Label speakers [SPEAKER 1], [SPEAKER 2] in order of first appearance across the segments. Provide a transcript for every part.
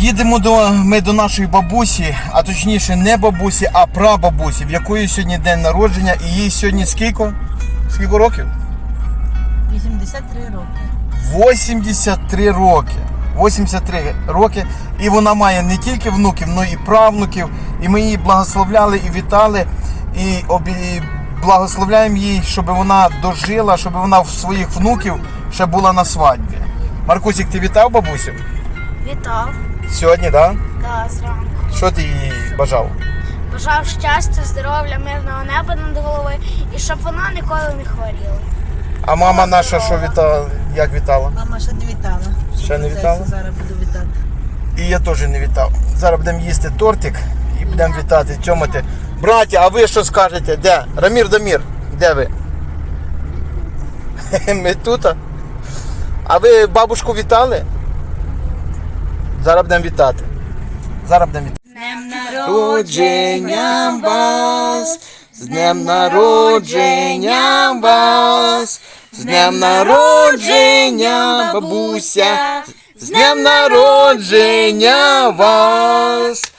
[SPEAKER 1] Їдемо ми до нашої бабусі, а точніше не бабусі, а прабабусі, в якої сьогодні день народження, і їй сьогодні скільки? Скільки років?
[SPEAKER 2] 83 роки.
[SPEAKER 1] 83 роки. 83 роки. І вона має не тільки внуків, але і правнуків. І ми її благословляли і вітали. І благословляємо їй, щоб вона дожила, щоб вона в своїх внуків ще була на свадьбі. Маркусик, ти вітав бабусю?
[SPEAKER 3] Вітав.
[SPEAKER 1] Сьогодні, так?
[SPEAKER 3] Да, зранку.
[SPEAKER 1] Що ти їй бажав?
[SPEAKER 3] Бажав щастя, здоров'я, мирного неба над головою і щоб вона ніколи не хворіла.
[SPEAKER 1] А мама наша що вітала? Як вітала?
[SPEAKER 2] Мама ще не вітала.
[SPEAKER 1] Ще не вітала?
[SPEAKER 2] Зараз буду вітати.
[SPEAKER 1] І я теж не вітав. Зараз будемо їсти тортик і будемо вітати, тьомати. Браття, а ви що скажете? Де? Рамір Дамір, де ви? Ми тут. А ви бабушку вітали? Зараз будемо вітати. Зараз будемо вітати.
[SPEAKER 3] З днем
[SPEAKER 1] Народження вас! З днем народження вас! З днем народження, бабуся! З днем народження вас!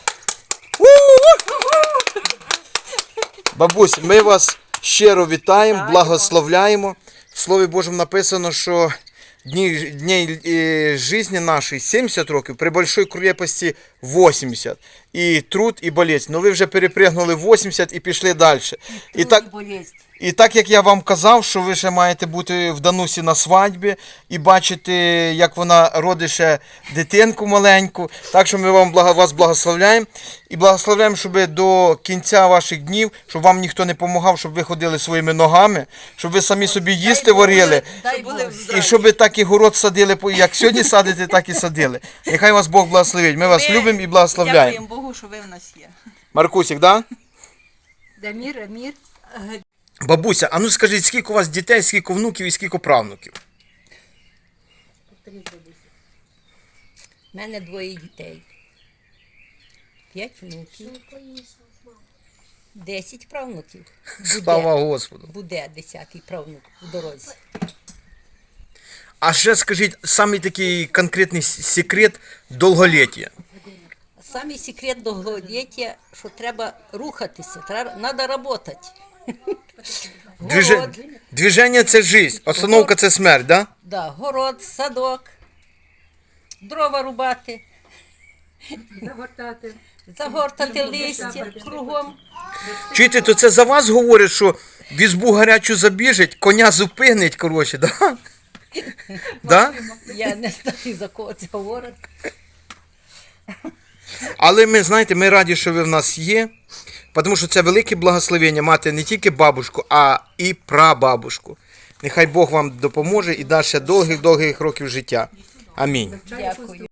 [SPEAKER 1] Бабусь, ми вас щиро вітаємо, благословляємо. В Слові Божому написано, що дні життя нашої 70 років, при большой крепості 80. І труд, і болезнь. Ну ви вже перепригнули 80 і пішли далі. І так, як я вам казав, що ви ще маєте бути в Данусі на свадьбі і бачити, як вона родить ще дитинку маленьку. Так що ми вас благословляємо. І благословляємо, щоб до кінця ваших днів, щоб вам ніхто не допомагав, щоб ви ходили своїми ногами, щоб ви самі собі їсти варили. І щоб так і город садили, як сьогодні садите, так і садили. Нехай вас Бог благословить. Ми вас любимо і благословляємо.
[SPEAKER 2] Дякуємо Богу, що ви в нас є.
[SPEAKER 1] Маркусик, да?
[SPEAKER 2] Дамір, Амір.
[SPEAKER 1] Бабуся, а ну скажіть, скільки у вас дітей, скільки внуків і скільки правнуків?
[SPEAKER 4] У мене 2 дітей. 5 внуків. 10 правнуків.
[SPEAKER 1] Слава Господу.
[SPEAKER 4] Буде 10-й правнук в дорозі.
[SPEAKER 1] А ще скажіть, самий такий конкретний секрет довголіття.
[SPEAKER 4] Самий секрет довголіття, що треба рухатися, треба працювати. Город,
[SPEAKER 1] Движення – це життя, остановка – це смерть, да?
[SPEAKER 4] да, город, садок, дрова рубати, загортати листя кругом.
[SPEAKER 1] Чуєте, то це за вас говорять, що в ізбу гарячу забіжить, коня зупинить, коротше, да? Да?
[SPEAKER 4] Я не знаю, за кого це говорить.
[SPEAKER 1] Але ми, знаєте, ми раді, що ви в нас є, тому що це велике благословення мати не тільки бабушку, а і прабабушку. Нехай Бог вам допоможе і дасть ще довгих-довгих років життя. Амінь.
[SPEAKER 4] Дякую.